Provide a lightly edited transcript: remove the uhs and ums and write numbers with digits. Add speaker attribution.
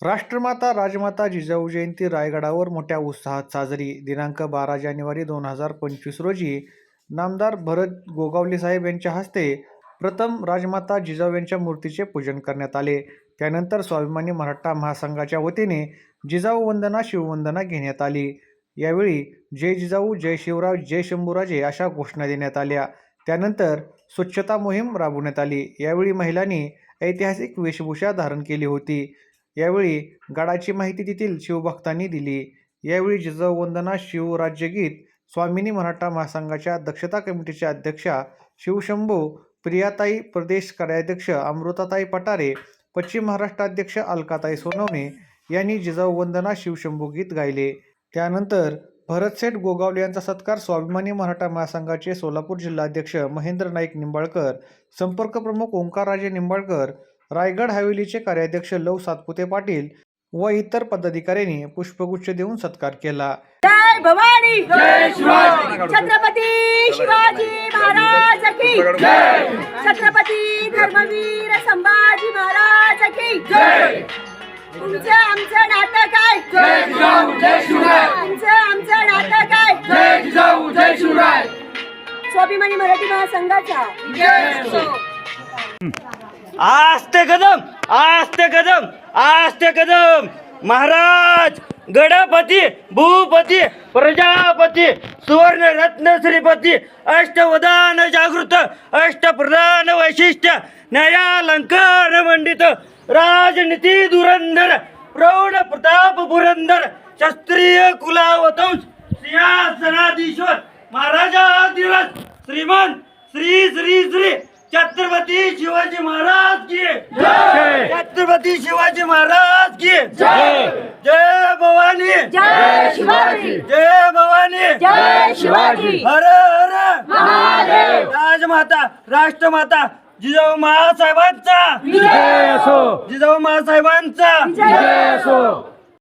Speaker 1: राष्ट्रमाता राजमाता जिजाऊ जयंती रायगडावर मोठ्या उत्साहात साजरी. दिनांक 12 जानेवारी 2025 रोजी नामदार भरत गोगावले साहेब यांच्या हस्ते प्रथम राजमाता जिजाऊ यांच्या मूर्तीचे पूजन करण्यात आले. त्यानंतर स्वाभिमानी मराठा महासंघाच्या वतीने जिजाऊ वंदना शिववंदना घेण्यात आली. यावेळी जय जिजाऊ, जय शिवराज, जय शंभूराजे अशा घोषणा देण्यात आल्या. त्यानंतर स्वच्छता मोहीम राबवण्यात आली. यावेळी महिलांनी ऐतिहासिक वेशभूषा धारण केली होती. यावेळी गडाची माहिती तेथील शिवभक्तांनी दिली. यावेळी जिजाऊ वंदना शिवराज्यगीत स्वाभिमानी मराठा महासंघाच्या दक्षता कमिटीच्या अध्यक्षा शिवशंभू प्रियाताई, प्रदेश कार्याध्यक्ष अमृताताई पटारे, पश्चिम महाराष्ट्र अध्यक्ष अलकाताई सोनवणे यांनी जिजाऊ वंदना शिवशंभू गीत गायले. त्यानंतर भरतसेठ गोगावले यांचा सत्कार स्वाभिमानी मराठा महासंघाचे सोलापूर जिल्हाध्यक्ष महेंद्र नाईक निंबाळकर, संपर्क प्रमुख ओंकारराजे निंबाळकर, रायगड हवेलीचे कार्याध्यक्ष लव सातपुते पाटील व इतर पदाधिकाऱ्यांनी पुष्पगुच्छ देऊन सत्कार केला.
Speaker 2: जय भवानी, जय शिवाजी, छत्रपती शिवाजी महाराज की जय, छत्रपती धर्मवीर संभाजी महाराज की जय. तुमचं आमचं नातं काय?
Speaker 3: जय जिजाऊ जय शिवराय.
Speaker 2: आमचं नातं काय?
Speaker 3: जय जिजाऊ जय शिवराय.
Speaker 2: स्वाभिमानी मराठी महासंघाचा
Speaker 3: जय असो.
Speaker 4: आस्ते कदम, आस्ते कदम, आस्ते कदम. महाराज गणपती, भूपती, प्रजापती, सुवर्ण रत्न श्रीपती, अष्टवदान जागृत, अष्टप्रधान वैशिष्ट्य, न्यायालंकार मंडित, राजनीती धुरंधर, प्रौढ प्रताप पुरंदर, शास्त्रीय कुलावतंश, सिंहासनाधीश्वर, महाराजाधिराज, श्रीमान श्री श्री श्री छत्रपती शिवाजी महाराज की जय. छत्रपती शिवाजी महाराज की
Speaker 3: जय.
Speaker 4: जय भवानी,
Speaker 2: जय शिवाजी,
Speaker 4: जय भवानी,
Speaker 2: जय शिवाजी.
Speaker 4: हर हर
Speaker 2: महादेव.
Speaker 4: राजमाता राष्ट्रमाता जिजाऊ महासाहेबांचा
Speaker 3: जय असो.
Speaker 4: जिजाऊ महासाहेबांचा
Speaker 2: जय असो.